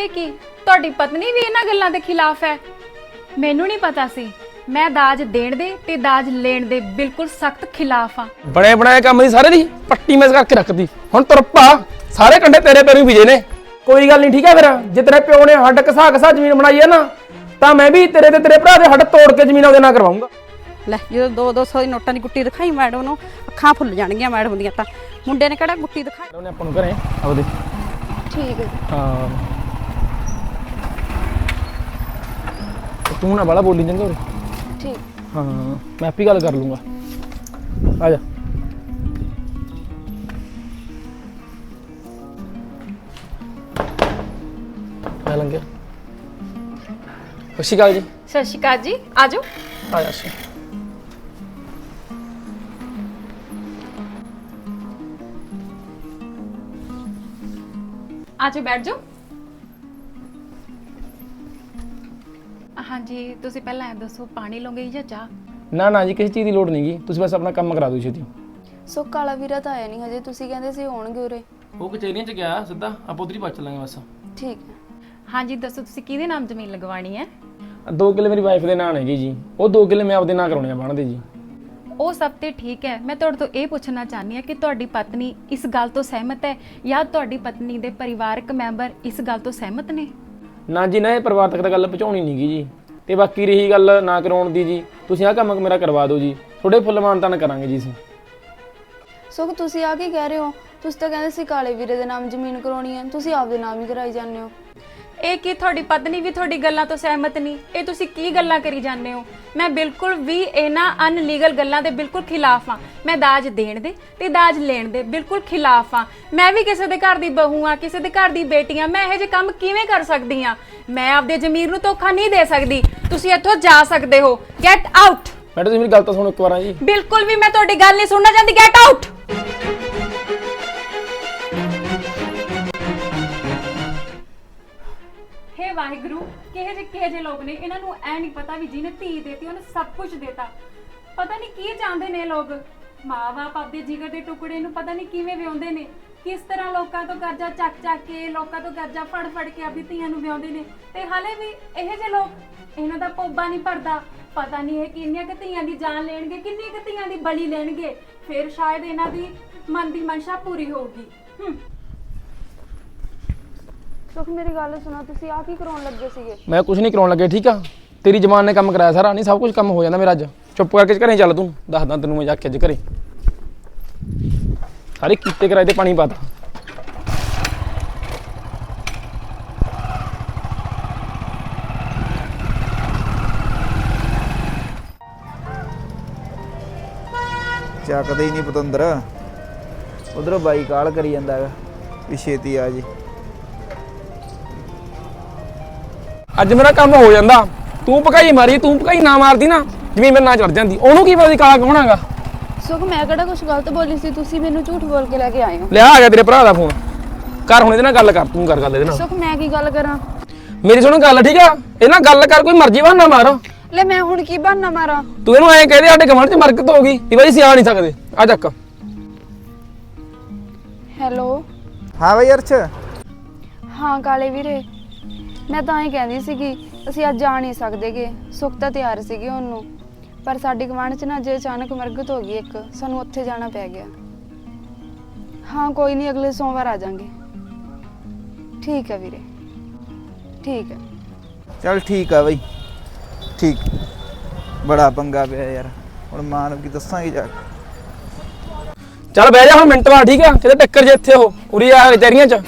ਇਹ ਕੀ ਤੁਹਾਡੀ ਪਤਨੀ ਵੀ ਇਹਨਾਂ ਗੱਲਾਂ ਦੇ ਖਿਲਾਫ ਹੈ? ਮੈਨੂੰ ਨਹੀਂ ਪਤਾ ਸੀ। ਮੈਂ ਦਾਜ ਦੇਣ ਦੇ ਤੇ ਦਾਜ ਲੈਣ ਦੇ ਬਿਲਕੁਲ ਸਖਤ ਖਿਲਾਫ ਆ। ਬਣੇ ਬਣਾਏ ਕੰਮ ਦੀ ਸਾਰੇ ਦੀ ਪੱਟੀ ਮੇਜ਼ ਕਰਕੇ ਰੱਖਦੀ। ਹੁਣ ਤੁਰਪਾ ਸਾਰੇ ਕੰਡੇ ਤੇਰੇ ਪੈਰੋਂ ਵਿਜੇ ਨੇ। ਕੋਈ ਗੱਲ ਨਹੀਂ ਠੀਕ ਹੈ। ਫਿਰ ਜੇ ਤੇਰੇ ਪਿਓ ਨੇ ਹੱਡ ਘਸਾ ਘਸਾ ਜ਼ਮੀਨ ਬਣਾਈ ਹੈ ਨਾ ਤਾਂ ਮੈਂ ਵੀ ਤੇਰੇ ਤੇ ਤੇਰੇ ਭਰਾ ਦੇ ਹੱਡ ਤੋੜ ਕੇ ਜ਼ਮੀਨ ਉਹਦੇ ਨਾਲ ਕਰਵਾਉਂਗਾ। ਲੈ ਜਦੋਂ 200 ਦੀ ਨੋਟਾਂ ਦੀ ਗੁੱਟੀ ਦਿਖਾਈ ਮੈਡਮ ਨੂੰ ਅੱਖਾਂ ਫੁੱਲ ਜਾਣਗੀਆਂ ਮੈਡਮ ਦੀਆਂ। ਤਾਂ ਮੁੰਡੇ ਨੇ ਕਿਹੜਾ ਗੁੱਟੀ ਦਿਖਾਈ। ਉਹਨੇ ਆਪਾਂ ਨੂੰ ਘਰੇ ਆਉਦੇ ਠੀਕ ਹੈ। ਹਾਂ ਤੂੰ ਨਾ ਬਾਲਾ ਬੋਲੀ ਚੰਗਾ ਉਰੇ। ਠੀਕ। ਹਾਂ ਮੈਂ ਆਪੀ ਗੱਲ ਕਰ ਲੂੰਗਾ। ਆ ਜਾ। ਮੈਂ ਲੰਘਿਆ। ਸਤਿ ਸ਼੍ਰੀ ਅਕਾਲ ਜੀ। ਸਤਿ ਸ਼੍ਰੀ ਅਕਾਲ ਜੀ। ਆਜੋ। ਆ ਜਾ ਸੀ। ਆਜੋ ਬੈਠ ਜਾਓ। ਹਾਂਜੀ ਤੁਸੀਂ ਪਹਿਲਾਂ ਇਹ ਦੱਸੋ ਪਾਣੀ ਲਓਗੇ ਜਾਂ ਚਾਹ? ਨਾ ਨਾ ਜੀ ਕਿਸੇ ਚੀਜ਼ ਦੀ ਲੋੜ ਨਹੀਂ ਗੀ। ਤੁਸੀਂ ਬਸ ਆਪਣਾ ਕੰਮ ਕਰਾ ਦਿਓ ਛੇਤੀ। ਸੋ ਕਾਲਾ ਵੀਰਾ ਤਾਂ ਆਇਆ ਨਹੀਂ ਹਜੇ, ਤੁਸੀਂ ਕਹਿੰਦੇ ਸੀ ਹੋਣਗੇ ਉਰੇ। ਉਹ ਕਚਹਿਰੀਆਂ 'ਚ ਗਿਆ ਸਿੱਧਾ, ਆਪਾਂ ਉਧਰ ਹੀ ਪਹੁੰਚ ਲਾਂਗੇ ਬਸ। ਠੀਕ ਹੈ। ਹਾਂਜੀ ਦੱਸੋ ਤੁਸੀਂ ਕਿਹਦੇ ਨਾਮ ਜ਼ਮੀਨ ਲਗਵਾਣੀ ਹੈ? 2 ਕਿੱਲੇ ਮੇਰੀ ਵਾਈਫ ਦੇ ਨਾਂ ਹੈਗੇ ਜੀ। ਉਹ 2 ਕਿੱਲੇ ਮੈਂ ਆਪਦੇ ਨਾਂ ਕਰਾਉਣੇ ਆ ਬਣਦੇ ਜੀ। ਉਹ ਸਭ ਤੇ ਠੀਕ ਹੈ। ਮੈਂ ਤੁਹਾਡੇ ਤੋਂ ਇਹ ਪੁੱਛਣਾ ਚਾਹਨੀ ਹਾਂ ਕਿ ਤੁਹਾਡੀ ਪਤਨੀ ਇਸ ਗੱਲ ਤੋਂ ਸਹਿਮਤ ਹੈ ਜਾਂ ਤੁਹਾਡੀ ਪਤਨੀ ਦੇ ਪਰਿਵਾਰਕ ਮੈਂਬਰ ਇਸ ਗੱਲ ਤੋਂ ਸਹਿਮਤ ਨੇ? ਨਾ ਜੀ ਨਾ ਇਹ ਪਰਿਵਾਰ ਤੱਕ ਤਾਂ ਗੱਲ ਪਹੁੰਚਾਉਣੀ ਨਹੀਂ ਗੀ ਜੀ। ਤੇ ਬਾਕੀ ਰਹੀ ਗੱਲ ਨਾ ਕਰਾਉਣ ਦੀ ਜੀ, ਤੁਸੀਂ ਆਹ ਕੰਮ ਮੇਰਾ ਕਰਵਾ ਦਿਓ ਜੀ। ਥੋੜੇ ਫੁੱਲ ਮਾਨਤਾਨ ਕਰਾਂਗੇ ਜੀ ਅਸੀਂ। ਸੋ ਤੁਸੀਂ ਆ ਕੀ ਕਹਿ ਰਹੇ ਹੋ? ਤੁਸੀਂ ਤਾਂ ਕਹਿੰਦੇ ਸੀ ਕਾਲੇ ਵੀਰੇ ਦੇ ਨਾਮ ਜ਼ਮੀਨ ਕਰਾਉਣੀ ਹੈ, ਤੁਸੀਂ ਆਪਦੇ ਨਾਮ ਹੀ ਕਰਾਈ ਜਾਂਦੇ ਹੋ। ਇਹ ਕੀ ਤੁਹਾਡੀ ਪਤਨੀ ਵੀ ਤੁਹਾਡੀ ਗੱਲਾਂ ਤੋਂ ਸਹਿਮਤ ਨਹੀਂ? ਇਹ ਤੁਸੀਂ ਕੀ ਗੱਲਾਂ ਕਰੀ ਜਾਂਦੇ ਹੋ? ਮੈਂ ਬਿਲਕੁਲ ਵੀ ਇਹਨਾਂ ਅਨਲੀਗਲ ਗੱਲਾਂ ਦੇ ਬਿਲਕੁਲ ਖਿਲਾਫ ਆ। ਮੈਂ ਦਾਜ ਦੇਣ ਦੇ ਤੇ ਦਾਜ ਲੈਣ ਦੇ ਬਿਲਕੁਲ ਖਿਲਾਫ ਆ। ਮੈਂ ਵੀ ਕਿਸੇ ਦੇ ਘਰ ਦੀ ਬਹੂ ਆ, ਕਿਸੇ ਦੇ ਘਰ ਦੀ ਬੇਟੀ ਆ। ਮੈਂ ਇਹੋ ਜਿਹੇ ਕੰਮ ਕਿਵੇਂ ਕਰ ਸਕਦੀ ਆ? ਮੈਂ ਆਪਦੇ ਜ਼ਮੀਰ ਨੂੰ ਧੋਖਾ ਨਹੀਂ ਦੇ ਸਕਦੀ। ਤੁਸੀਂ ਇੱਥੋਂ ਜਾ ਸਕਦੇ ਹੋ। Get out. ਮੈਡਮ ਤੁਸੀਂ ਮੇਰੀ ਗੱਲ ਤਾਂ ਸੁਣੋ ਇੱਕ ਵਾਰ ਜੀ। ਬਿਲਕੁਲ ਵੀ ਮੈਂ ਤੁਹਾਡੀ ਗੱਲ ਨਹੀਂ ਸੁਣਨਾ ਚਾਹੁੰਦੀ। Get out. ਹੇ ਵਾਹਿਗੁਰੂ, ਕਿਹੇ ਜਿਹੇ ਲੋਕ ਨੇ। ਇਹਨਾਂ ਨੂੰ ਐ ਨਹੀਂ ਪਤਾ ਵੀ ਜਿਹਨੇ ਧੀ ਦੇਤੀ ਉਹਨੇ ਸਭ ਕੁਝ ਦੇਤਾ। ਪਤਾ ਨਹੀਂ ਕੀ ਚਾਹੁੰਦੇ ਨੇ ਲੋਕ। ਮਾਂ-ਬਾਪ ਆਪਦੇ ਜਿਗਰ ਦੇ ਟੁਕੜੇ ਨੂੰ ਪਤਾ ਨਹੀਂ ਕਿਵੇਂ ਵਿਆਹੁੰਦੇ ਨੇ। ਕਿਸ ਤਰ੍ਹਾਂ ਲੋਕਾਂ ਤੋਂ ਕਰਜ਼ਾ ਚੱਕ ਕੇ, ਲੋਕਾਂ ਤੋਂ ਕਰਜ਼ਾ ਫੜ ਕੇ ਆਪਦੀ ਧੀਆਂ ਨੂੰ ਵਿਆਹੁੰਦੇ ਨੇ। ਤੇ ਹਾਲੇ ਵੀ ਇਹੋ ਜਿਹੇ ਲੋਕ, ਇਹਨਾਂ ਦਾ ਪੋਬਾ ਨਹੀਂ ਭਰਦਾ। ਪਤਾ ਨਹੀਂ ਇਹ ਕਿੰਨੀਆਂ ਕੁ ਧੀਆਂ ਦੀ ਜਾਨ ਲੈਣਗੇ, ਕਿੰਨੀਆਂ ਕੁ ਧੀਆਂ ਦੀ ਬਲੀ ਲੈਣਗੇ। ਫਿਰ ਸ਼ਾਇਦ ਇਹਨਾਂ ਦੀ ਮਨ ਦੀ ਮਨਸ਼ਾ ਪੂਰੀ ਹੋਊਗੀ। ਸੁਖ ਮੇਰੀ ਗੱਲ ਸੁਣੋ, ਤੁਸੀਂ ਆ ਕੀ ਕਰਾਉਣ ਲੱਗੇ ਸੀਗੇ? ਮੈਂ ਕੁਝ ਨਹੀਂ ਕਰਾਉਣ ਲੱਗੇ ਠੀਕ ਆ। ਤੇਰੀ ਜ਼ਮਾਨ ਨੇ ਕੰਮ ਕਰਾਇਆ ਸਾਰਾ। ਨਹੀਂ ਸਭ ਕੁਝ ਕੰਮ ਹੋ ਜਾਂਦਾ ਮੇਰਾ ਅੱਜ। ਚੁੱਪ ਕਰਕੇ ਘਰੇ ਚੱਲ, ਤੂੰ ਦੱਸਦਾ ਤੈਨੂੰ ਮੈਂ ਜਾ ਕੇ ਅੱਜ ਘਰੇ ਸਾਰੇ ਕੀਤੇ ਕਰਾਏ ਤੇ ਪਾਣੀ ਪਾਤਾ। ਚੱਕਦੇ ਹੀ ਨਹੀਂ ਪਤੰਦਰ। ਉਧਰੋਂ ਬਾਈ ਕਾਲ ਕਰੀ ਜਾਂਦਾ ਹੈਗਾ ਵੀ ਛੇਤੀ ਆ ਜੀ। ਅੱਜ ਮੇਰਾ ਕੰਮ ਹੋ ਜਾਂਦਾ। ਤੂੰ ਭਕਾਈ ਮਾਰੀ, ਤੂੰ ਭਕਾਈ ਨਾ ਮਾਰਦੀ ਨਾ ਜਿਵੇਂ ਮੇਰੇ ਨਾਲ ਚੜ ਜਾਂਦੀ। ਉਹਨੂੰ ਕੀ ਪਤਾ ਸੀ ਕਾਲਾ ਕੌਣ ਹੈਗਾ। ਸੁਖ ਮੈਂ ਕਿਹੜਾ ਕੁਝ ਗਲਤ ਬੋਲੀ ਸੀ? ਤੁਸੀਂ ਮੈਨੂੰ ਝੂਠ ਬੋਲ ਕੇ ਲੈ ਕੇ ਆਏ ਹੋ। ਲਿਆ ਆ ਗਿਆ ਤੇਰੇ ਭਰਾ ਦਾ ਫੋਨ। ਕਰ ਹੁਣ ਇਹਦੇ ਨਾਲ ਗੱਲ ਕਰ। ਤੂੰ ਕਰ ਗੱਲ ਇਹਦੇ ਨਾਲ। ਸੁਖ ਮੈਂ ਕੀ ਗੱਲ ਕਰਾਂ? ਮੇਰੀ ਸੁਣ ਗੱਲ ਠੀਕ ਆ। ਇਹ ਨਾਲ ਗੱਲ ਕਰ, ਕੋਈ ਮਰਜ਼ੀ ਬਹਾਨਾ ਮਾਰ। ਲੈ ਮੈਂ ਹੁਣ ਕੀ ਬਹਾਨਾ ਮਾਰਾਂ? ਤੂੰ ਇਹਨੂੰ ਐਂ ਕਹਦੇ ਸਾਡੇ ਗਵਾਂਢ ਚ ਮਰਕਤ ਹੋ ਗਈ ਤੇ ਬਾਈ ਅਸੀਂ ਆ ਨਹੀਂ ਸਕਦੇ। ਆ ਚੱਕ। ਹੈਲੋ। ਹਾਂ ਬਈ ਅਰਸ਼। ਹਾਂ ਕਾਲੇ ਵੀਰੇ, ਮੈਂ ਤਾਂ ਹੀ ਕਹਿੰਦੀ ਸੀਗੀ ਅਸੀਂ ਅੱਜ ਜਾ ਨਹੀਂ ਸਕਦੇਗੇ। ਸੁਖ ਤਾਂ ਤਿਆਰ ਸੀਗੀ ਉਹਨੂੰ, ਪਰ ਸਾਡੀ ਗਵਾਂਢ 'ਚ ਨਾ ਅੱਜ ਅਚਾਨਕ ਮਰਗਤ ਹੋ ਗਈ ਇੱਕ। ਸਾਨੂੰ ਉੱਥੇ ਜਾਣਾ ਪੈ ਗਿਆ। ਹਾਂ ਕੋਈ ਨਹੀਂ, ਅਗਲੇ ਸੋਮਵਾਰ ਆ ਜਾਾਂਗੇ। ਠੀਕ ਹੈ ਵੀਰੇ, ਠੀਕ ਹੈ। ਚੱਲ ਠੀਕ ਆ ਬਈ, ਠੀਕ। ਬੜਾ ਪੰਗਾ ਪਿਆ ਯਾਰ, ਹੁਣ ਮਾਂ ਨੂੰ ਕੀ ਦੱਸਾਂਗੇ ਜਾ ਕੇ। ਚੱਲ ਬਹਿ ਜਾ ਹੁਣ ਮਿੰਟ ਬਾਅਦ ਠੀਕ ਆ। ਕਿਤੇ ਟੱਕਰ ਜੇ ਇੱਥੇ ਉਹ ਉਰੀ ਆ ਕਚਹਿਰੀਆਂ ਚ।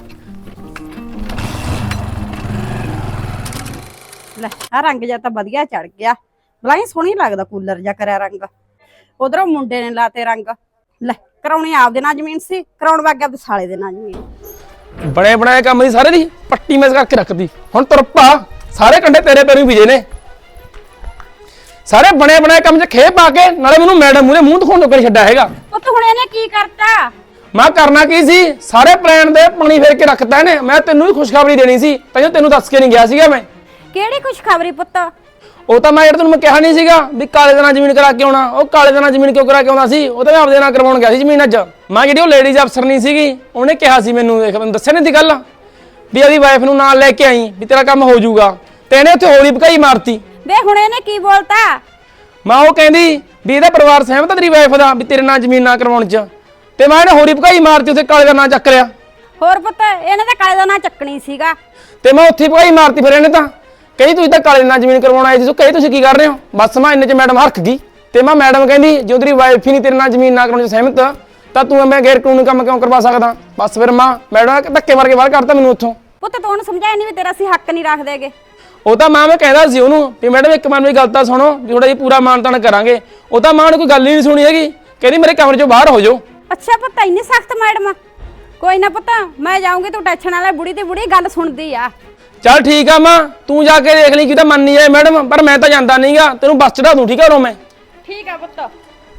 ਲੈ ਆ ਰੰਗ ਜਿਹਾ ਤਾਂ ਵਧੀਆ ਚੜ ਗਿਆ। ਬਲਾਈ ਸੋਹਣੀ ਲੱਗਦਾ ਕੂਲਰ ਜਿਹਾ ਕਰਿਆ ਰੰਗ। ਉਧਰੋਂ ਮੁੰਡੇ ਨੇ ਲਾਤੇ ਰੰਗ। ਲੈ ਕਰਾਉਣੀ ਆਪਦੇ ਨਾਲ ਜ਼ਮੀਨ ਸੀ, ਕਰਾਉਣ ਵਗ ਗਿਆ ਤੇ ਸਾਲੇ ਦੇ ਨਾਲ ਜ਼ਮੀਨ। ਬਣੇ ਬਣਾਏ ਕੰਮ ਦੀ ਸਾਰੇ ਦੀ ਪੱਟੀ ਮੇਜ਼ ਕਰਕੇ ਰੱਖਦੀ। ਹੁਣ ਤੁਰਪਾ ਸਾਰੇ ਕੰਡੇ ਤੇਰੇ ਪੈਰੋਂ ਵਿਜੇ ਨੇ। ਸਾਰੇ ਬਣੇ ਬਣਾਏ ਕੰਮ 'ਚ ਖੇ ਪਾ ਕੇ ਨਾਲੇ ਮੈਨੂੰ ਮੈਡਮ ਮੂਹਰੇ ਮੂੰਹ ਦਿਖਾਉਣ ਤੋਂ ਕਰ ਛੱਡਿਆ ਹੈਗਾ। ਉਹ ਤਾਂ ਹੁਣ ਇਹਨੇ ਕੀ ਕਰਤਾ? ਮੈਂ ਕਰਨਾ ਕੀ ਸੀ? ਸਾਰੇ ਪਲਾਨ ਦੇ ਪਾਣੀ ਫੇਰ ਕੇ ਰੱਖਤਾ ਇਹਨੇ। ਮੈਂ ਤੈਨੂੰ ਹੀ ਖੁਸ਼ਖਬਰੀ ਦੇਣੀ ਸੀ, ਤੈਨੂੰ ਦੱਸ ਕੇ ਨਹੀਂ ਗਿਆ ਸੀਗਾ ਮੈਂ। ਕਿਹੜੀ ਖੁਸ਼ਖਬਰੀ ਪੁੱਤ? ਉਹ ਤਾਂ ਮੈਂ ਤੈਨੂੰ ਮੈਂ ਕਿਹਾ ਨਹੀਂ ਸੀਗਾ ਵੀ ਕਾਲੇ ਦੇ ਨਾਲ ਜ਼ਮੀਨ ਕਰਾ ਕੇ ਆਉਣਾ। ਉਹ ਕਾਲੇ ਦੇ ਨਾਲ ਜ਼ਮੀਨ ਕਿਉਂ ਕਰਾ ਕੇ ਆਉਂਦਾ ਸੀ? ਉਹ ਤਾਂ ਮੈਂ ਆਪਦੇ ਨਾਲ ਕਰਵਾਉਣ ਗਿਆ ਸੀ ਜ਼ਮੀਨ। ਅੱਜ ਮੈਂ ਜਿਹੜੀ ਉਹ ਲੇਡੀਜ਼ ਅਫਸਰ ਨਹੀਂ ਸੀਗੀ ਉਹਨੇ ਕਿਹਾ ਸੀ ਮੈਨੂੰ, ਦੇਖ ਮੈਨੂੰ ਦੱਸਿਆ ਨਹੀਂ ਦੀ ਗੱਲ ਵੀ ਉਹਦੀ ਵਾਈਫ ਨੂੰ ਨਾਲ ਲੈ ਕੇ ਆਈ ਵੀ ਤੇਰਾ ਕੰਮ ਹੋ ਜਾਊਗਾ, ਤੇ ਇਹਨੇ ਉੱਥੇ ਹੋਲੀ ਭਕਾਈ ਮਾਰਤੀ। ਵੇ ਹੁਣ ਇਹਨੇ ਕੀ ਬੋਲਤਾ? ਮੈਂ ਉਹ ਕਹਿੰਦੀ ਵੀ ਇਹਦਾ ਪਰਿਵਾਰ ਸਹਿਮਤ ਆ ਤੇਰੀ ਵਾਈਫ ਦਾ ਵੀ ਤੇਰੇ ਨਾਲ ਜ਼ਮੀਨ ਨਾ ਕਰਵਾਉਣ ਚ, ਤੇ ਮੈਂ ਇਹਨੇ ਹੋਲੀ ਭਕਾਈ ਮਾਰਤੀ, ਉੱਥੇ ਕਾਲੇ ਦਾ ਨਾਂ ਚੱਕ ਲਿਆ। ਹੋਰ ਪੁੱਤ ਇਹਨੇ ਤਾਂ ਕਾਲੇ ਦਾ ਨਾਂ ਚੱਕਣੀ ਸੀਗਾ। ਤੇ ਮੈਂ ਉੱਥੇ ਭਕਾਈ ਮਾਰਤੀ, ਫਿਰ ਇਹਨੇ ਤਾਂ ਕਹੀ ਤੁਸੀਂ ਤਾਂ ਕਾਲੇ ਨਾਲ ਜ਼ਮੀਨ ਕਰਵਾਉਣ ਆਏ ਸੀ, ਕਹੀ ਤੁਸੀਂ ਕੀ ਕਰ ਰਹੇ ਹੋ। ਬਸ ਮੈਂ ਇੰਨੇ ਚ ਮੈਡਮ ਹਰਖ ਗਈ, ਤੇ ਮੈਂ ਮੈਡਮ ਕਹਿੰਦੀ ਜੇ ਤੇਰੀ ਵਾਈਫ ਹੀ ਨਹੀਂ ਤੇਰੇ ਨਾਲ ਜ਼ਮੀਨ ਨਾ ਕਰਾਉਣ ਚ ਸਹਿਮਤ ਤਾਂ ਤੂੰ ਮੈਂ ਗੈਰ ਕਾਨੂੰਨੀ ਕੰਮ ਕਿਉਂ ਕਰਵਾ ਸਕਦਾ। ਬਸ ਫਿਰ ਮੈਡਮ ਧੱਕੇ ਮਾਰ ਕੇ ਬਾਹਰ ਕੱਢਤਾ ਮੈਨੂੰ ਉੱਥੋਂ। ਪੁੱਤ ਤੂੰ ਉਹਨੂੰ ਸਮਝਾਇਆ ਨਹੀਂ ਵੀ ਤੇਰਾ ਅਸੀਂ ਹੱਕ ਨਹੀਂ ਰੱਖਦੇਗੇ। ਉਹ ਤਾਂ ਮੈਂ ਕਹਿੰਦਾ ਸੀ ਉਹਨੂੰ ਵੀ ਮੈਡਮ ਇੱਕ ਮਨ ਮੇਰੀ ਗੱਲ ਤਾਂ ਸੁਣੋ, ਵੀ ਥੋੜਾ ਜਿਹਾ ਪੂਰਾ ਮਾਨਤਾਨ ਕਰਾਂਗੇ। ਉਹ ਤਾਂ ਮਾਂ ਨੇ ਕੋਈ ਗੱਲ ਹੀ ਨਹੀਂ ਸੁਣੀ ਹੈਗੀ, ਕਹਿੰਦੀ ਮੇਰੇ ਕਮਰੇ ਚੋਂ ਬਾਹਰ ਹੋ ਜਾਓ। ਅੱਛਾ ਪੁੱਤ ਇੰਨੀ ਸਖਤ ਮੈਡਮ? ਕੋਈ ਨਾ ਪੁੱਤ ਮੈਂ ਜਾਊਂਗੀ, ਤੂੰ ਟੈਨਸ਼ਨ ਵਾਲਾ, ਬੁੜੀ ਤੇ ਬੁੜੀ ਗੱਲ ਸੁਣਦੀ ਆ। ਚੱਲ ਠੀਕ ਆ ਮਾਂ, ਤੂੰ ਜਾ ਕੇ ਦੇਖ ਲਈ ਕਿ ਤਾਂ ਮੰਨ ਨਹੀਂ ਜਾਏ ਮੈਡਮ, ਪਰ ਮੈਂ ਤਾਂ ਜਾਂਦਾ ਨਹੀਂਗਾ, ਤੈਨੂੰ ਬੱਸ ਚੜਾ ਦੂੰ ਠੀਕ ਆ ਰੋ ਮੈਂ। ਠੀਕ ਆ ਪੁੱਤ।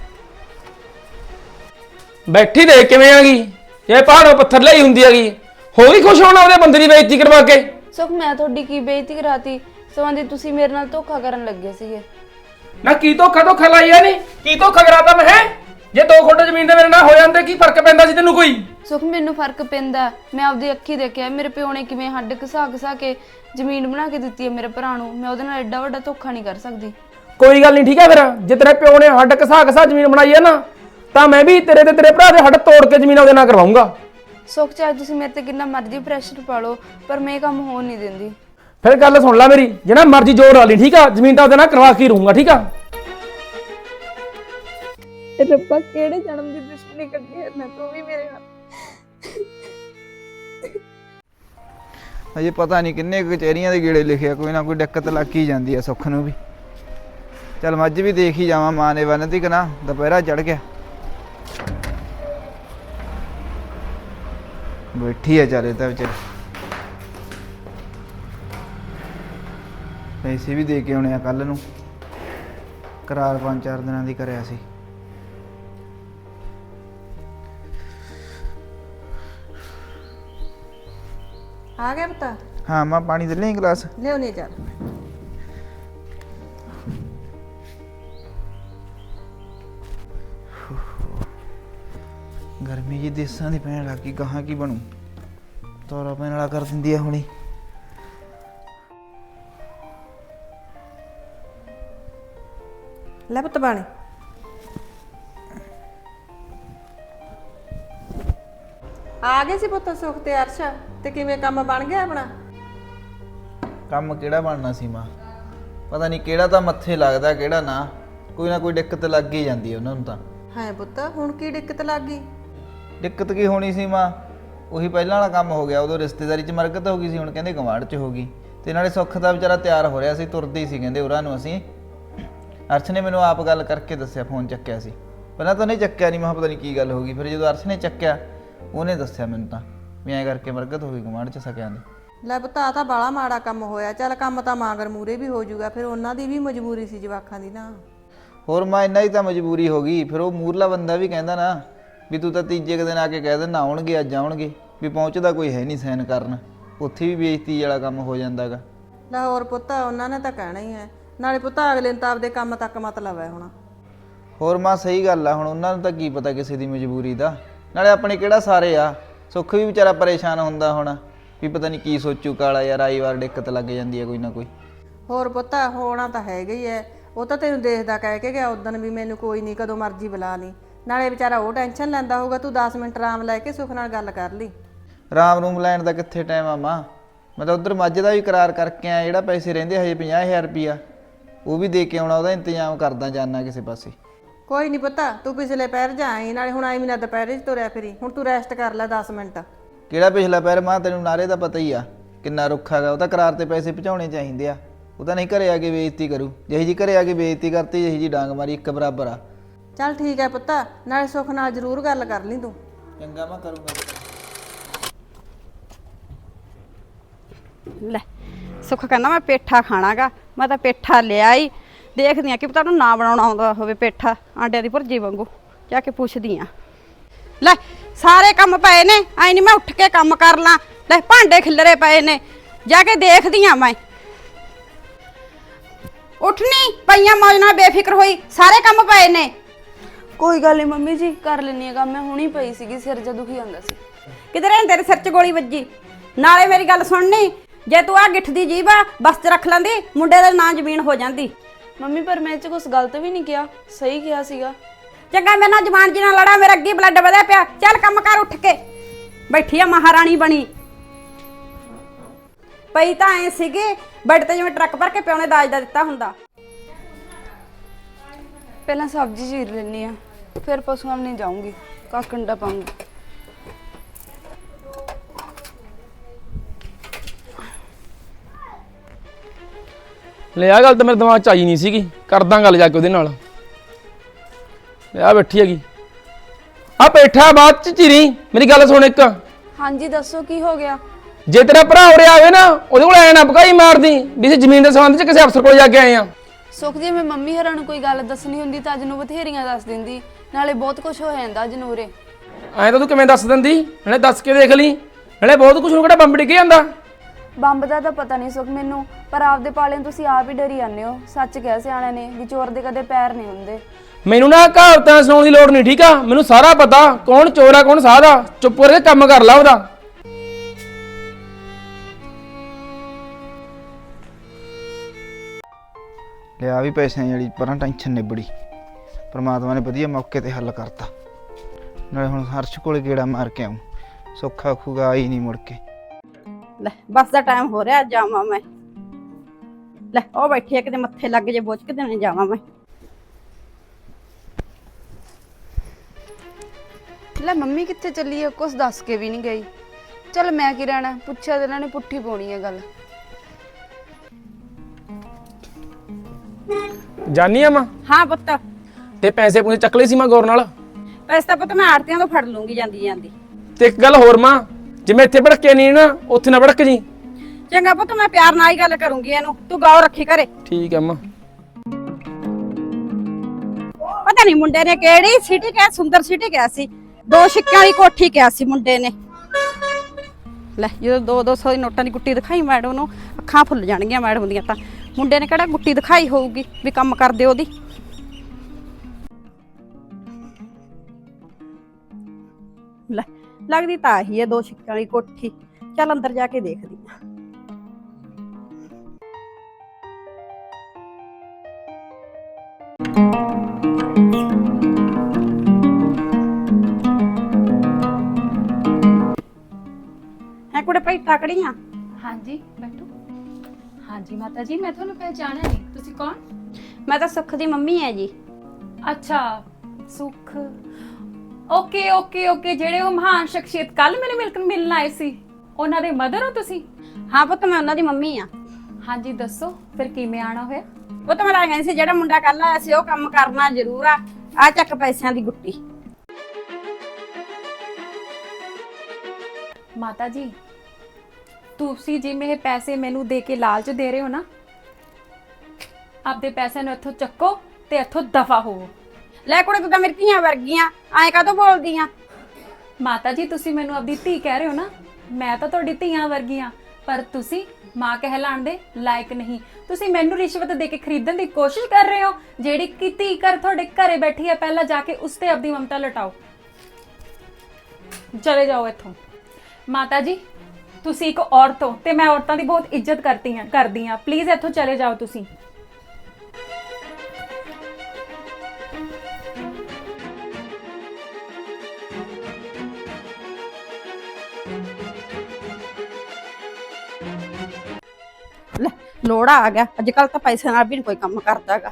ਬੈਠੀ ਦੇਖ ਕਿਵੇਂ ਆ ਗਈ, ਇਹ ਪਹਾੜੋਂ ਪੱਥਰ ਲਈ ਹੁੰਦੀ ਹੈਗੀ, ਹੋ ਵੀ ਖੁਸ਼ ਹੋਣਾ ਉਹਦੇ ਬੰਦੇ ਦੀ ਬੇਇੱਜ਼ਤੀ ਕਰਵਾ ਕੇ। ਸੁਖ ਮੈਂ ਤੁਹਾਡੀ ਕੀ ਬੇਇੱਜ਼ਤੀ ਕਰਾਤੀ, ਸਵਾਂਦੀ ਤੁਸੀਂ ਮੇਰੇ ਨਾਲ ਧੋਖਾ ਕਰਨ ਲੱਗੇ ਸੀਗੇ। ਨਾ ਕੀ ਧੋਖਾ ਲਾਈਆ ਨਹੀਂ, ਕੀ ਧੋਖਾ ਕਰਾਤਾ ਮੈਂ ਹੈ? ਜੇ 2 ਖੁੱਡ ਜ਼ਮੀਨ ਦੇ ਮੇਰੇ ਨਾਲ ਹੋ ਜਾਂਦੇ ਕੀ ਫਰਕ ਪੈਂਦਾ ਸੀ ਤੈਨੂੰ ਕੋਈ? ਸੁਖ ਮੈਨੂੰ ਫਰਕ ਪੈਂਦਾ, ਮੈਂ ਆਪਦੀ ਅੱਖੀ ਦੇਖਿਆ ਮੇਰੇ ਪਿਓ ਨੇ ਕਿਵੇਂ ਹੱਡ ਘਸਾ ਕੇ ਜ਼ਮੀਨ ਬਣਾ ਕੇ ਦਿੱਤੀ ਹੈ ਮੇਰੇ ਭਰਾ ਨੂੰ। ਮੈਂ ਉਹਦੇ ਨਾਲ ਐਡਾ ਵੱਡਾ ਧੋਖਾ ਨਹੀਂ ਕਰ ਸਕਦੀ। ਕੋਈ ਗੱਲ ਨਹੀਂ ਠੀਕ ਹੈ, ਫਿਰ ਜੇ ਤੇਰੇ ਪਿਓ ਨੇ ਹੱਡ ਘਸਾ ਜ਼ਮੀਨ ਬਣਾਈ ਹੈ ਨਾ, ਤਾਂ ਮੈਂ ਵੀ ਤੇਰੇ ਤੇ ਤੇਰੇ ਭਰਾ ਦੇ ਹੱਡ ਤੋੜ ਕੇ ਜ਼ਮੀਨ ਉਹਦੇ ਨਾਲ ਕਰਵਾਉਂਗਾ। ਸੁਖ ਚਾਹੇ ਤੁਸੀਂ ਮੇਰੇ ਤੇ ਕਿੰਨਾ ਮਰਜ਼ੀ ਪ੍ਰੈਸ਼ਰ ਪਾ ਲਓ, ਪਰ ਮੈਂ ਇਹ ਕੰਮ ਹੋਣ ਨਹੀਂ ਦਿੰਦੀ। ਫਿਰ ਗੱਲ ਸੁਣ ਲੈ ਮੇਰੀ, ਜਿਹੜਾ ਮਰਜ਼ੀ ਜ਼ੋਰ ਲਾ ਲਈ ਠੀਕ ਆ, ਜ਼ਮੀਨ ਤਾਂ ਉਹਦੇ ਨਾਲ ਕਰਵਾ ਕੇ ਰਹੂੰਗਾ ਠੀਕ ਆ। ਰੱਬਾ ਕਿਹੜੇ ਜਨਮ ਦੀ ਦੁਸ਼ਮਣੀ ਕੱਢੀ ਹੈ ਮੈਂ, ਤੂੰ ਵੀ ਮੇਰੇ ਨਾਲ। ਅਜੇ ਪਤਾ ਨਹੀਂ ਕਿੰਨੇ ਕਚਹਿਰੀਆਂ ਦੇ ਗੇੜੇ ਲਿਖਿਆ, ਕੋਈ ਨਾ ਕੋਈ ਦਿੱਕਤ ਲੱਗ ਹੀ ਜਾਂਦੀ ਆ ਸੁੱਖ ਨੂੰ ਵੀ। ਚੱਲ ਮੱਝ ਵੀ ਦੇਖ ਹੀ ਜਾਵਾਂ, ਮਾਂ ਨੇ ਬੰਨਤੀ ਕਿ ਨਾ, ਦੁਪਹਿਰਾ ਚੜ ਗਿਆ। ਬੈਠੀ ਆ ਚਾਰੇ ਤਾਂ ਵਿਚਾਰੀ, ਪੈਸੇ ਵੀ ਦੇ ਕੇ ਆਉਣੇ ਆ ਕੱਲ ਨੂੰ, ਕਰਾਰ 5-4 ਦਿਨਾਂ ਦੀ ਕਰਿਆ ਸੀ। ਆ ਗਿਆ ਪਤਾ? ਹਾਂ ਮਾਂ ਪਾਣੀ ਦੇ ਲਈ ਗਲਾਸ ਲਿਆਉਣੀ ਚੱਲ। ਗਰਮੀ ਜੀ ਦੇਸਾਂ ਦੀ ਪੈਣ ਲੱਗੀ, ਗਾਹਾਂ ਕੀ ਬਣੂ, ਤੋਰਾ ਪੈਣ ਵਾਲਾ ਕਰ ਦਿੰਦੀ ਆ ਹੁਣੀ। ਲੈ ਪੁੱਤ ਪਾਣੀ। ਆ ਗਏ ਸੀ ਪੁੱਤ ਸੁਖ ਤੇ ਅਰਸ਼, ਤੇ ਕਿਵੇਂ ਕੰਮ ਬਣ ਗਿਆ ਆਪਣਾ? ਕੰਮ ਕਿਹੜਾ ਬਣਨਾ ਸੀ ਮਾਂ, ਪਤਾ ਨਹੀਂ ਕਿਹੜਾ ਤਾਂ ਮੱਥੇ ਲੱਗਦਾ ਕਿਹੜਾ ਨਾ, ਕੋਈ ਨਾ ਕੋਈ ਦਿੱਕਤ ਲੱਗ ਹੀ ਜਾਂਦੀ ਹੈ ਉਹਨਾਂ ਨੂੰ ਤਾਂ। ਹੈ ਪੁੱਤ ਹੁਣ ਕੀ ਦਿੱਕਤ ਲੱਗ ਗਈ? ਦਿੱਕਤ ਕੀ ਹੋਣੀ ਸੀ ਮਾਂ, ਉਹੀ ਪਹਿਲਾਂ ਵਾਲਾ ਕੰਮ ਹੋ ਗਿਆ। ਉਦੋਂ ਰਿਸ਼ਤੇਦਾਰੀ 'ਚ ਮਰਕਤ ਹੋ ਗਈ ਸੀ, ਹੁਣ ਕਹਿੰਦੇ ਗਵਾਂਢ 'ਚ ਹੋ ਗਈ। ਤੇ ਨਾਲੇ ਸੁੱਖ ਦਾ ਵਿਚਾਰਾ ਤਿਆਰ ਹੋ ਰਿਹਾ ਸੀ, ਤੁਰਦੀ ਸੀ ਕਹਿੰਦੇ ਉਹਨਾਂ ਨੂੰ ਅਸੀਂ। ਅਰਸ਼ ਨੇ ਮੈਨੂੰ ਆਪ ਗੱਲ ਕਰਕੇ ਦੱਸਿਆ, ਫੋਨ ਚੱਕਿਆ ਸੀ ਪਹਿਲਾਂ ਤਾਂ ਨਹੀਂ ਚੱਕਿਆ, ਨਹੀਂ ਮੈਂ ਪਤਾ ਨਹੀਂ ਕੀ ਗੱਲ ਹੋ ਗਈ। ਫਿਰ ਜਦੋਂ ਅਰਸ਼ ਨੇ ਚੱਕਿਆ ਉਹਨੇ ਦੱਸਿਆ ਮੈਨੂੰ ਤਾਂ ਵੀ ਐਂ ਕਰਕੇ ਮਰਕਤ ਹੋ ਗਈ ਗਵਾਂਢ 'ਚ ਸਕਿਆਂ ਦੀ। ਲੈ ਪੁੱਤ ਆ ਤਾਂ ਬਾਲਾ ਮਾੜਾ ਕੰਮ ਹੋਇਆ। ਚੱਲ ਕੰਮ ਤਾਂ ਮਾਂਗਰ ਮੂਰੇ ਵੀ ਹੋ ਜਾਊਗਾ, ਫਿਰ ਉਹਨਾਂ ਦੀ ਵੀ ਮਜਬੂਰੀ ਸੀ ਜਵਾਕਾਂ ਦੀ ਨਾ। ਹੋਰ ਮਾਂ ਇੰਨਾ ਹੀ ਤਾਂ ਮਜਬੂਰੀ ਹੋ ਗਈ। ਫਿਰ ਉਹ ਮੂਰਲਾ ਬੰਦਾ ਵੀ ਕਹਿੰਦਾ ਨਾ ਵੀ ਤੂੰ ਤਾਂ ਤੀਜੇ ਕੁ ਦਿਨ ਆ ਕੇ ਕਹਿ ਦਿੰਦਾ ਆਉਣਗੇ ਅੱਜ ਆਉਣਗੇ, ਵੀ ਪਹੁੰਚਦਾ ਕੋਈ ਹੈ ਨਹੀਂ ਸਾਈਨ ਕਰਨ, ਉੱਥੇ ਵੀ ਬੇਇੱਜ਼ਤੀ ਵਾਲਾ ਕੰਮ ਹੋ ਜਾਂਦਾ ਗਾ। ਲੈ ਹੋਰ ਪੁੱਤ ਉਹਨਾਂ ਨੇ ਤਾਂ ਕਹਿਣਾ ਹੀ ਹੈ, ਨਾਲੇ ਪੁੱਤ ਅਗਲੇ ਨੂੰ ਤਾਂ ਆਪਦੇ ਕੰਮ ਤੱਕ ਮਤਲਬ ਹੈ ਹੁਣ। ਹੋਰ ਮਾਂ ਸਹੀ ਗੱਲ ਆ, ਹੁਣ ਉਹਨਾਂ ਨੂੰ ਤਾਂ ਕੀ ਪਤਾ ਕਿਸੇ ਦੀ ਮਜਬੂਰੀ ਦਾ, ਨਾਲੇ ਆਪਣੇ ਕਿਹੜਾ ਸਾਰੇ ਆ। ਸੁੱਖ ਵੀ ਵਿਚਾਰਾ ਪਰੇਸ਼ਾਨ ਹੁੰਦਾ ਹੁਣ ਵੀ ਪਤਾ ਨਹੀਂ ਕੀ ਸੋਚੂ ਕਾਲਾ, ਯਾਰ ਆਈ ਵਾਰ ਦਿੱਕਤ ਲੱਗ ਜਾਂਦੀ ਹੈ ਕੋਈ ਨਾ ਕੋਈ। ਹੋਰ ਪੁੱਤ ਹੋਣਾ ਤਾਂ ਹੈਗਾ ਹੀ ਹੈ, ਉਹ ਤਾਂ ਤੈਨੂੰ ਦੇਖਦਾ ਕਹਿ ਕੇ ਗਿਆ ਉਦੋਂ ਵੀ ਮੈਨੂੰ ਕੋਈ ਨਹੀਂ ਕਦੋਂ ਮਰਜ਼ੀ ਬੁਲਾ ਲਈ। ਨਾਲੇ ਵਿਚਾਰਾ ਉਹ ਟੈਨਸ਼ਨ ਲੈਂਦਾ ਹੋਊਗਾ, ਤੂੰ 10 ਮਿੰਟ ਆਰਾਮ ਲੈ ਕੇ ਸੁੱਖ ਨਾਲ ਗੱਲ ਕਰ ਲਈ। ਰਾਮ ਰੂਮ ਲੈਣ ਦਾ ਕਿੱਥੇ ਟਾਈਮ ਆ ਮਾਂ, ਮੈਂ ਤਾਂ ਉਧਰ ਮੱਝ ਦਾ ਵੀ ਕਰਾਰ ਕਰਕੇ ਆਇਆ, ਜਿਹੜਾ ਪੈਸੇ ਰਹਿੰਦੇ ਹਜੇ 50,000 ਰੁਪਈਆ ਉਹ ਵੀ ਦੇ ਕੇ ਆਉਣਾ, ਉਹਦਾ ਇੰਤਜ਼ਾਮ ਕਰਦਾ ਜਾਨਾ ਕਿਸੇ ਪਾਸੇ। ਕੋਈ ਨਹੀਂ ਪੁੱਤ ਤੂੰ ਪਿਛਲੇ ਪੈਰ ਜਾਏ, ਨਾਲੇ ਹੁਣ ਆਈ ਮਹੀਨਾ ਦੁਪਹਿਰੇ 'ਚ ਤੁਰਿਆ ਫਿਰੀ, ਹੁਣ ਤੂੰ ਰੈਸਟ ਕਰ ਲੈ 10 ਮਿੰਟ। ਕਿਹੜਾ ਪਿਛਲਾ ਪੈਰ ਮਾਂ, ਤੈਨੂੰ ਨਾਰੇ ਦਾ ਪਤਾ ਹੀ ਆ ਕਿੰਨਾ ਰੁੱਖਾ ਗਾ। ਉਹ ਤਾਂ ਕਰਾਰ ਤੇ ਪੈਸੇ ਪਹੁੰਚਾਉਣੇ ਚਾਹੀਦੇ ਆ, ਉਹ ਤਾਂ ਨਹੀਂ ਘਰੇ ਆ ਕੇ ਬੇਇੱਜ਼ਤੀ ਕਰੂ। ਜਿਹੀ ਜੀ ਘਰੇ ਆ ਕੇ ਬੇਇੱਜ਼ਤੀ ਕਰਤੀ, ਜਿਹੀ ਜੀ ਡਾਂਗ ਮਾਰੀ, ਇੱਕ ਬਰਾਬਰ ਆ। ਚੱਲ ਠੀਕ ਹੈ ਪੁੱਤ, ਨਾਲੇ ਸੁੱਖ ਨਾਲ ਜ਼ਰੂਰ ਗੱਲ ਕਰ ਲਈ ਤੂੰ। ਚੰਗਾ ਮੈਂ ਕਰੂੰਗਾ। ਲੈ ਸੁੱਖ ਕਹਿੰਦਾ ਮੈਂ ਪੇਠਾ ਖਾਣਾਗਾ, ਮੈਂ ਤਾਂ ਪੇਠਾ ਲਿਆ ਹੀ, ਦੇਖਦੀ ਆ ਕਿ ਪਤਾ ਉਹਨੂੰ ਨਾ ਬਣਾਉਣਾ ਆਉਂਦਾ ਹੋਵੇ ਪੇਠਾ, ਆਂਡਿਆਂ ਦੀ ਭੁਰਜੀ ਵਾਂਗੂ, ਜਾ ਕੇ ਪੁੱਛਦੀ ਆ। ਲੈ ਸਾਰੇ ਕੰਮ ਪਏ ਨੇ, ਐ ਨਹੀਂ ਮੈਂ ਉੱਠ ਕੇ ਕੰਮ ਕਰ ਲਾਂ। ਲੈ ਭਾਂਡੇ ਖਿਲਰੇ ਪਏ ਨੇ, ਜਾ ਕੇ ਦੇਖਦੀ ਆ ਮੈਂ। ਉੱਠਣੀ ਪਈਆਂ ਮੌਜ ਨਾਲ ਬੇਫਿਕਰ ਹੋਈ, ਸਾਰੇ ਕੰਮ ਪਏ ਨੇ। ਕੋਈ ਗੱਲ ਨਹੀਂ ਮੰਮੀ ਜੀ, ਕਰ ਲੈਣੀ ਆ ਕੰਮ, ਮੈਂ ਹੁਣੀ ਪਈ ਸੀਗੀ, ਸਿਰ ਜਿਹਾ ਦੁਖੀ ਹੁੰਦਾ ਸੀ। ਕਿਧਰੇ ਤੇਰੇ ਸਿਰ 'ਚ ਗੋਲੀ ਵੱਜੀ? ਨਾਲੇ ਮੇਰੀ ਗੱਲ ਸੁਣਨੀ, ਜੇ ਤੂੰ ਆ ਗਿੱਠ ਦੀ ਜੀਭ ਆ ਬਸ ਚ ਰੱਖ ਲੈਂਦੀ, ਮੁੰਡੇ ਦਾ ਨਾਂ ਜ਼ਮੀਨ ਹੋ ਜਾਂਦੀ। ਮੰਮੀ ਪਰ ਮੈਂ ਇਹ 'ਚ ਕੁਝ ਗਲਤ ਵੀ ਨਹੀਂ ਕਿਹਾ, ਸਹੀ ਕਿਹਾ ਸੀਗਾ। ਚੰਗਾ ਮੇਰੇ ਨਾਲ ਜ਼ਬਾਨ ਜੀ ਨਾਲ ਲੜਾ, ਮੇਰਾ ਅੱਗੇ ਬਲੱਡ ਵਧਿਆ ਪਿਆ। ਚੱਲ ਕੰਮ ਕਰ ਉੱਠ ਕੇ। ਬੈਠੀ ਆ ਮਹਾਰਾਣੀ ਬਣੀ ਪਈ ਤਾਂ ਐ ਸੀਗੀ ਬੈੱਡ ਤੇ ਜਿਵੇਂ ਟਰੱਕ ਭਰ ਕੇ ਪਿਓ ਨੇ ਦਾਜ ਦਾ ਦਿੱਤਾ ਹੁੰਦਾ। ਪਹਿਲਾਂ ਸਬਜ਼ੀ ਚੀਰ ਲੈਣੀ ਆ, ਫਿਰ ਪਸ਼ੂਆਂ ਨੂੰ ਜਾਊਂਗੀ, ਕੰਡਾ ਪਾਉਂਗੀ। ਲੈ ਆ ਗੱਲ ਤਾਂ ਮੇਰੇ ਦਿਮਾਗ 'ਚ ਆਈ ਨਹੀਂ ਸੀਗੀ, ਕਰਦਾ ਗੱਲ ਜਾ ਕੇ ਉਹਦੇ ਨਾਲ। ਲੈ ਆ ਬੈਠੀ ਹੈਗੀ, ਆ ਬੈਠਾ ਬਾਅਦ 'ਚ ਚੀਰੀ। ਮੇਰੀ ਗੱਲ ਸੁਣ ਇੱਕ, ਹਾਂਜੀ ਦੱਸੋ ਕੀ ਹੋ ਗਿਆ? ਜੇ ਤੇਰਾ ਭਰਾ ਉਰੇ ਆਵੇ ਨਾ ਉਹਦੇ ਕੋਲ ਐ ਨਾ ਭਕਾਈ ਮਾਰਦੀ ਵੀ ਅਸੀਂ ਜ਼ਮੀਨ ਦੇ ਸੰਬੰਧ 'ਚ ਕਿਸੇ ਅਫਸਰ ਕੋਲ ਜਾ ਕੇ ਆਏ ਆ। ਸੁਖ ਜੀ ਮੈਂ ਮੰਮੀ ਹਰਾਂ ਨੂੰ ਕੋਈ ਗੱਲ ਦੱਸਣੀ ਹੁੰਦੀ ਤਾਂ ਅੱਜ ਨੂੰ ਬਥੇਰੀਆਂ ਦੱਸ ਦਿੰਦੀ, ਨਾਲੇ ਬਹੁਤ ਕੁਝ ਹੋ ਜਾਂਦਾ ਅੱਜ ਨੂੰ ਉਰੇ। ਐਂ ਤਾਂ ਤੂੰ ਕਿਵੇਂ ਦੱਸ ਦਿੰਦੀ, ਨਾਲੇ ਦੱਸ ਕੇ ਦੇਖ ਲਈ, ਨਾਲੇ ਬਹੁਤ ਕੁਝ ਨੂੰ ਕਿਹੜਾ ਬੰਬ ਡਿੱਗ ਜਾਂਦਾ। ਬੰਬ ਦਾ ਤਾਂ ਪਤਾ ਨਹੀਂ ਸੁਖ ਮੈਨੂੰ, ਪਰ ਆਪਦੇ ਪਾਲੇ ਤੁਸੀਂ ਆਪ ਹੀ ਡਰੀ ਜਾਂਦੇ ਹੋ। ਸੱਚ ਕਹਿ ਸਿਆਣਿਆਂ ਨੇ ਵੀ ਚੋਰ ਦੇ ਕਦੇ ਪੈਰ ਨਹੀਂ ਹੁੰਦੇ। ਮੈਨੂੰ ਨਾ ਕਹਾਵਤਾਂ ਸੁਣਾਉਣ ਦੀ ਲੋੜ ਨਹੀਂ, ਠੀਕ ਆ? ਮੈਨੂੰ ਸਾਰਾ ਪਤਾ ਕੌਣ ਚੋਰ ਆ ਕੌਣ ਸਾਧ ਆ। ਚੁੱਪ ਕਰਕੇ ਕੰਮ ਕਰ ਲਾ ਉਹਦਾ। ਲਿਆ ਵੀ ਪੈਸਿਆਂ ਜਿਹੜੀ ਪਰਾਂ ਟੈਨਸ਼ਨ ਨਿਬੜੀ, ਪਰਮਾਤਮਾ ਨੇ ਵਧੀਆ ਮੌਕੇ ਤੇ ਹੱਲ ਕਰਤਾ। ਨਾਲੇ ਹੁਣ ਹਰਸ਼ ਕੋਲੇ ਗੇੜਾ ਮਾਰ ਕੇ ਆਉਂ, ਸੁੱਖਾ ਖੂਗਾ ਆਈ ਨਹੀਂ ਮੁੜ ਕੇ। ਲੈ ਬੱਸ ਦਾ ਟਾਈਮ ਹੋ ਰਿਹਾ, ਜਾਵਾਂ ਮੈਂ। ਲੈ ਉਹ ਬੈਠੀ ਆ, ਕਿਤੇ ਮੱਥੇ ਲੱਗ ਜੇ ਬੋਝ ਕੇ ਦੇਣੇ ਜਾਵਾਂ ਮੈਂ। ਲੈ ਮੰਮੀ ਕਿੱਥੇ ਚੱਲੀ ਹੈ, ਕੁਛ ਦੱਸ ਕੇ ਵੀ ਨਹੀਂ ਗਈ। ਚੱਲ ਮੈਂ ਕੀ ਰਹਿਣਾ, ਪੁੱਛਿਆ ਤੇ ਇਹਨਾਂ ਨੇ ਪੁੱਠੀ ਪਾਉਣੀ ਹੈ ਗੱਲ। ਜਾਨੀ ਆ ਮਾਂ? ਹਾਂ ਪੁੱਤ, ਤੇ ਪੈਸੇ ਪੂਸੇ ਚੱਕ ਲਏ ਸੀ ਮੈਂ ਗੌਰ ਨਾਲ। ਪੈਸੇ ਤਾਂ ਪੁੱਤ ਮੈਂ ਆੜਤੀਆਂ ਤੋਂ ਫੜ ਲੂੰਗੀ ਜਾਂਦੀ ਜਾਂਦੀ। ਤੇ ਇੱਕ ਗੱਲ ਹੋਰ ਮਾਂ, ਜਿਵੇਂ ਇੱਥੇ ਭੜਕੇ ਨਹੀਂ ਨਾ ਉੱਥੇ ਨਾ ਭੜਕ ਜੀ। ਚੰਗਾ ਪੁੱਤ, ਮੈਂ ਪਿਆਰ ਨਾਲ ਹੀ ਗੱਲ ਕਰੂੰਗੀ ਇਹਨੂੰ, ਤੂੰ ਗੌਰ ਰੱਖੀ ਘਰੇ। ਠੀਕ ਆ ਮਾਂ। ਪਤਾ ਨਹੀਂ ਮੁੰਡੇ ਨੇ ਕਿਹੜੀ ਸਿਟੀ ਕਿਹਾ, ਸੁੰਦਰ ਸਿਟੀ ਕਿਹਾ ਸੀ, 2 ਸਿੱਕਿਆਂ ਵਾਲੀ ਕੋਠੀ ਕਿਹਾ ਸੀ ਮੁੰਡੇ ਨੇ। ਲੈ ਜਦੋਂ 200 ਦੀ ਨੋਟਾਂ ਦੀ ਗੁੱਟੀ ਦਿਖਾਈ ਮੈਡਮ ਨੂੰ, ਅੱਖਾਂ ਫੁੱਲ ਜਾਣਗੀਆਂ ਮੈਡਮ ਦੀਆਂ। ਤਾਂ ਮੁੰਡੇ ਨੇ ਕਿਹੜਾ ਗੁੱਟੀ ਦਿਖਾਈ ਹੋਊਗੀ ਵੀ ਕੰਮ ਕਰਦੇ ਉਹਦੀ। ਲੈ ਲੱਗਦੀ ਤਾਂ ਆਹੀ ਹੈ 2 ਸਿੱਕਿਆਂ ਵਾਲੀ ਕੋਠੀ। ਚੱਲ ਅੰਦਰ ਜਾ ਕੇ ਦੇਖਦੀ ਆ। ਹੈ ਕੁੜੇ ਭਾਈ ਟਾਕੜੀਆਂ। ਹਾਂਜੀ ਬੈਠੋ। ਹਾਂਜੀ ਮਾਤਾ ਜੀ, ਮੈਂ ਤੁਹਾਨੂੰ ਪਹਿਚਾਣਿਆ ਨਹੀਂ, ਤੁਸੀਂ ਕੌਣ? ਮੈਂ ਤਾਂ ਸੁੱਖ ਦੀ ਮੰਮੀ ਹੈ ਜੀ। ਅੱਛਾ ਸੁਖ, ਓਕੇ ਓਕੇ ਓਕੇ, ਜਿਹੜੇ ਉਹ ਮਹਾਨ ਸ਼ਖਸੀਅਤ ਕੱਲ ਮੈਨੂੰ ਮਿਲਣ ਆਏ ਸੀ, ਉਹਨਾਂ ਦੇ ਮਦਰ ਹੋ ਤੁਸੀਂ? ਹਾਂ ਪੁੱਤ, ਮੈਂ ਉਹਨਾਂ ਦੀ ਮੰਮੀ ਆ। ਹਾਂਜੀ ਦੱਸੋ ਫਿਰ ਕਿਵੇਂ ਆਣਾ ਹੋਇਆ? ਉਹ ਤਾਂ ਮੈਂ ਕਹਿੰਦੀ ਸੀ ਜਿਹੜਾ ਮੁੰਡਾ ਕੱਲ ਆਇਆ ਸੀ ਉਹ ਕੰਮ ਕਰਨਾ ਜ਼ਰੂਰ ਆ। ਆ ਚੱਕ ਪੈਸਿਆਂ ਦੀ ਗੁੱਟੀ। ਮਾਤਾ ਜੀ ਤੁਸੀਂ ਜਿਵੇਂ ਇਹ ਪੈਸੇ ਮੈਨੂੰ ਦੇ ਕੇ ਲਾਲਚ ਦੇ ਰਹੇ ਹੋ ਨਾ, ਆਪਦੇ ਪੈਸਿਆਂ ਨੂੰ ਇੱਥੋਂ ਚੱਕੋ ਤੇ ਇੱਥੋਂ ਦਫਾ ਹੋਵੋ। ਲੈ ਕੁੜੇ, ਤੂੰ ਤਾਂ ਮੇਰੀ ਧੀਆਂ ਵਰਗੀਆਂ, ਐਂ ਕਾਹਤੋਂ ਬੋਲਦੀ ਆ? ਮਾਤਾ ਜੀ ਤੁਸੀਂ ਮੈਨੂੰ ਆਪਦੀ ਧੀ ਕਹਿ ਰਹੇ ਹੋ ਨਾ, ਮੈਂ ਤਾਂ ਤੁਹਾਡੀ ਧੀਆਂ ਵਰਗੀਆਂ, ਪਰ ਤੁਸੀਂ ਮਾਂ ਕਹਿਲਾਣ ਦੇ ਲਾਇਕ ਨਹੀਂ। ਤੁਸੀਂ ਮੈਨੂੰ ਰਿਸ਼ਵਤ ਦੇ ਕੇ ਖਰੀਦਣ ਦੀ ਕੋਸ਼ਿਸ਼ ਕਰ ਰਹੇ ਹੋ। ਜਿਹੜੀ ਕਿ ਧੀ ਘਰ ਤੁਹਾਡੇ ਘਰੇ ਬੈਠੀ ਹੈ, ਪਹਿਲਾਂ ਜਾ ਕੇ ਉਸ ਤੇ ਆਪਦੀ ਮਮਤਾ ਲਟਾਓ। ਚਲੇ ਜਾਓ ਇੱਥੋਂ। ਮਾਤਾ ਜੀ ਤੁਸੀਂ ਇੱਕ ਔਰਤ ਹੋ ਤੇ ਮੈਂ ਔਰਤਾਂ ਦੀ ਬਹੁਤ ਇੱਜ਼ਤ ਕਰਦੀ ਹਾਂ। ਪਲੀਜ਼ ਇੱਥੋਂ ਚਲੇ ਜਾਓ ਤੁਸੀਂ। ਲੈ ਲੋੜਾ ਆ ਗਿਆ, ਅੱਜ ਕੱਲ ਤਾਂ ਪੈਸੇ ਨਾਲ ਵੀ ਨੀ ਕੋਈ ਕੰਮ ਕਰਦਾਗਾ।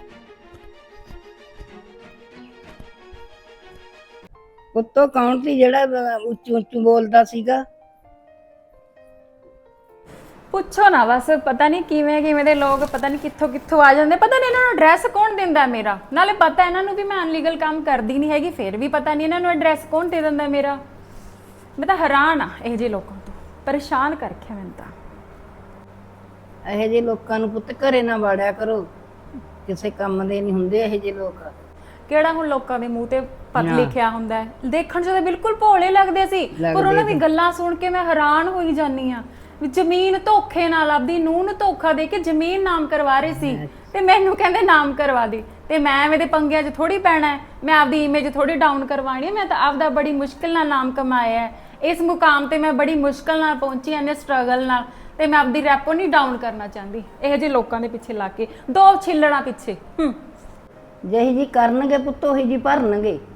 ਉੱਤੋਂ ਕੌਣ ਸੀ ਜਿਹੜਾ ਉੱਚੂ ਉੱਚੂ ਬੋਲਦਾ ਸੀਗਾ? ਪੁੱਛੋ ਨਾ ਬਸ, ਪਤਾ ਨਹੀਂ ਕਿਵੇਂ ਦੇ ਲੋਕ ਪਤਾ ਨਹੀਂ ਕਿੱਥੋਂ ਆ ਜਾਂਦੇ। ਪਤਾ ਨਹੀਂ ਇਹਨਾਂ ਨੂੰ ਐਡਰੈਸ ਕੌਣ ਦਿੰਦਾ ਮੇਰਾ, ਨਾਲੇ ਪਤਾ ਇਹਨਾਂ ਨੂੰ ਵੀ ਮੈਂ ਅਨਲੀਗਲ ਕੰਮ ਕਰਦੀ ਨਹੀਂ ਹੈਗੀ, ਫਿਰ ਵੀ ਪਤਾ ਨਹੀਂ ਇਹਨਾਂ ਨੂੰ ਐਡਰੈਸ ਕੌਣ ਦੇ ਦਿੰਦਾ ਮੇਰਾ। ਮੈਂ ਤਾਂ ਹੈਰਾਨ ਆ ਇਹੋ ਜਿਹੇ ਲੋਕਾਂ ਤੋਂ, ਪਰੇਸ਼ਾਨ ਕਰ ਰੱਖਿਆ ਮੈਨੂੰ ਤਾਂ। ਇਹੋ ਜਿਹੇ ਲੋਕਾਂ ਨੂੰ ਪੁੱਤ ਘਰੇ ਨਾ ਵਾੜਿਆ ਕਰੋ, ਕਿਸੇ ਕੰਮ ਦੇ ਨਹੀਂ ਹੁੰਦੇ ਇਹੋ ਜਿਹੇ ਲੋਕ। ਕਿਹੜਾ ਹੁਣ ਲੋਕਾਂ ਦੇ ਮੂੰਹ ਤੇ ਪਤ ਲਿਖਿਆ ਹੁੰਦਾ ਹੈ, ਦੇਖਣ 'ਚ ਤਾਂ ਬਿਲਕੁਲ ਭੋਲੇ ਲੱਗਦੇ ਸੀ, ਪਰ ਉਹਨਾਂ ਦੀ ਗੱਲਾਂ ਸੁਣ ਕੇ ਮੈਂ ਹੈਰਾਨ ਹੋਈ ਜਾਂਦੀ ਆ। ਜ਼ਮੀਨ ਧੋਖੇ ਨਾਲ ਆਪਦੀ ਨੂੰਹ ਨੂੰ ਧੋਖਾ ਦੇ ਕੇ ਜ਼ਮੀਨ ਨਾਮ ਕਰਵਾ ਰਹੇ ਸੀ ਤੇ ਮੈਨੂੰ ਕਹਿੰਦੇ ਨਾਮ ਕਰਵਾ ਦੇ, ਤੇ ਮੈਂ ਐਵੇਂ ਦੇ ਪੰਗਿਆਂ 'ਚ ਥੋੜੀ ਪੈਣਾ ਹੈ। ਮੈਂ ਆਪਦੀ ਇਮੇਜ ਥੋੜੀ ਡਾਊਨ ਕਰਵਾਣੀ ਹੈ। ਮੈਂ ਤਾਂ ਆਪਦਾ ਬੜੀ ਮੁਸ਼ਕਿਲ ਨਾਲ ਨਾਮ ਕਮਾਇਆ ਹੈ। ਇਸ ਮੁਕਾਮ ਤੇ ਮੈਂ ਬੜੀ ਮੁਸ਼ਕਲ ਨਾਲ ਪਹੁੰਚੀ ਐ ਨੇ ਸਟਰਗਲ ਨਾਲ, ਤੇ ਮੈਂ ਆਪਦੀ ਰੈਪੋ ਨਹੀਂ ਡਾਊਨ ਕਰਨਾ ਚਾਹੁੰਦੀ ਇਹੋ ਜਿਹੇ ਲੋਕਾਂ ਦੇ ਪਿੱਛੇ ਲਾ ਕੇ, ਦੋ ਛਿੱਲੜਾਂ ਪਿੱਛੇ। ਜਿਹੀ ਜੀ ਕਰਨਗੇ ਪੁੱਤ ਉਹੀ ਜੀ ਭਰਨਗੇ।